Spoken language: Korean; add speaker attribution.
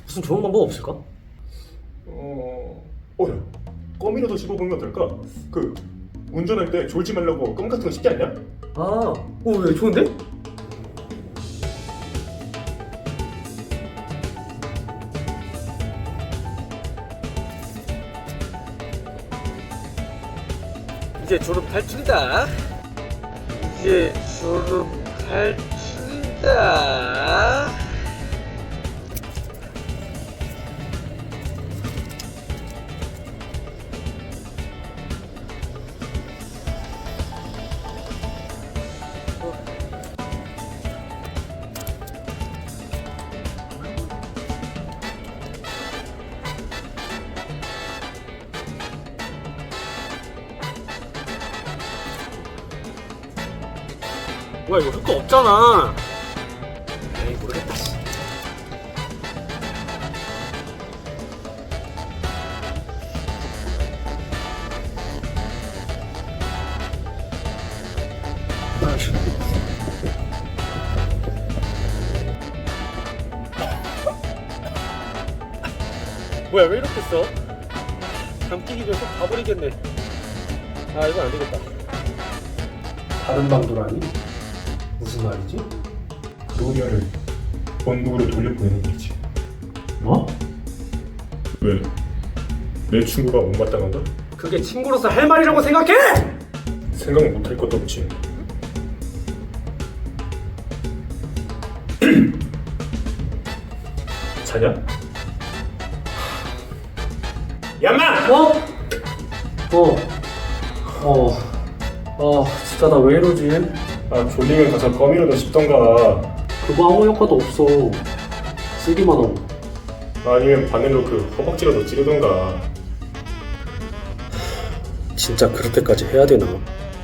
Speaker 1: 무슨 좋은 방법 없을까?
Speaker 2: 야, 껌이라도 씹어보면 어떨까? 그 운전할 때 졸지 말라고 껌 같은 거 씹지 않냐?
Speaker 1: 왜 좋은데? 이제 졸업 탈출이다. 이제 졸업 탈출이다. 뭐야 이거 효과 없잖아. 에이 모르겠다. 아이씨. 뭐야 왜 이렇게 써? 감기기 전에 속 가버리겠네. 이건 안 되겠다.
Speaker 2: 다른 방도라니? 무슨 말이지? 로니아를 본국으로 돌려보내는 거지.
Speaker 1: 뭐?
Speaker 2: 왜? 내 친구가 못마땅한 가
Speaker 1: 그게 친구로서 할 말이라고 생각해?
Speaker 2: 생각 못할 것도 없지. 자냐? 야마!
Speaker 1: 진짜 나 왜 이러지?
Speaker 2: 졸리면 가서 껌이라도 씹던가.
Speaker 1: 그거 아무 효과도 없어. 쓰기만 하고.
Speaker 2: 아니면 바늘로 그 허벅지라도 찌르던가.
Speaker 1: 진짜 그렇게까지 해야 되나?